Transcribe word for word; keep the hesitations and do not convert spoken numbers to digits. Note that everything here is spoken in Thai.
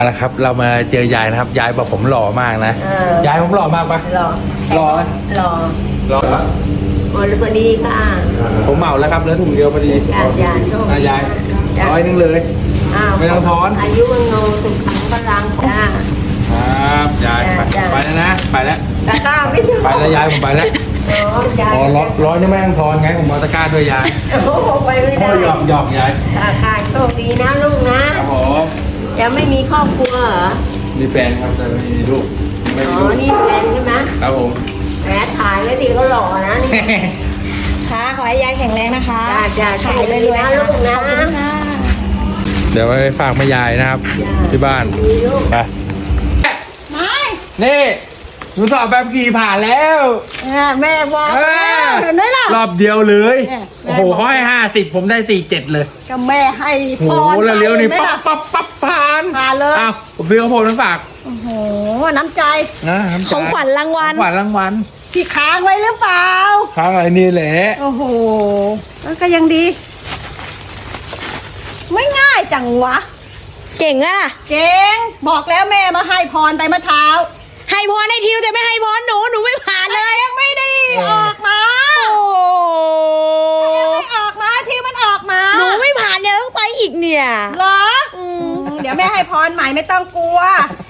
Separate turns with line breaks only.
นะครับเรามาเจอยายนะครับยายบอกผมหล่อมากนะยายผมหล่อมากปะ
หล่อ
หล่อไหม
หล่อ
หล่อปะ
โอ้ยพอดีค่ะ
ผมเหมาแล้วครับเหลือถุงเดียวพอดี
ยายยายโชค
อ่ะยาย
จ้ะ
ร้อยหนึงเลย
อ้าว
ไม่ต้องทอน
อายุวังโนสุขังพลังจ้า
ครับยายไป
จ้ะ
ไปแล้วนะไปแล้ว
ตะกร้าไม่ถูก
ไปแล้วยายผมไปแล้ว
อ๋อยาย
อ๋อร้อยร้อยนี่ไม่ต้องทอนไงผมเอาตะกร้าด้วยยาย
โอ้โหไปไม่
พ่
ได้
อหยอกหยอกยาย
ค่ะค่ะโชคดีนะลูกนะครับ
ผม
ยังไม่มีครอบครัวเหรอ
มีแฟนครับแต่ไม่มีลูกไม่
อ๋
มี
อ
ลูก
นี่แฟนใช่ไหม
ครับผม
แหมถ่ายไว้ดีก็หล่อนะนี่
ค่ะขอให้ยายแข็งแรงนะคะ
จ้าจ้า
ขายรวยๆ
นะลูกนะ
ขอบคุณค่ะ
เดี๋ยวไปฝากแม่ยายนะครับ ที่บ้าน
ดีลูก
ไป
ไม่
นี่หนูสอบแบบขี่ผ่านแล้ว
เนี่ยแม่บอก
เออ
เห็นไหมล่ะ
รอบเดียวเลย
เนี่ย
โอ้โหเขาให้ห้าสิบผมได้สี่เจ็ดเลย
ก็แม่ให้
โอ้
พ
โห
ร
แล้วเลี้ยวนี่
ไป
ปั๊บ
เห็ไหมล่ะ
ปั๊บปั๊บผ่าน
ผ่านเลย
อ้าวผมซื้อข้าวโพดมาฝาก
โอ้โหน้ำใจ
นะน้ำใจ
ของขวัญรางวัล
ของขวัญรางวัล
ที่ค้างไว้หรือเปล่า
ค้างอะไรนี่แหละ
โอ้โหแล้วก็ยังดี ไม่ง่ายจังวะ
เก่งอะ
เก่งบอกแล้วแม่มาให้พรไปเมื่อเช้า
ให้พรให้ทิวแต่ไม่ให้พรหนูหนูไม่ผ่านเลย
ยังไม่ได้ออกมา
โอ้
ยังไม่ออกมาที่มันออกมา
หนูไม่ผ่านเลยต้องไปอีกเนี่ย
เหรออืมเดี๋ยวแม่ให้พรใหม่ไม่ต้องกลัว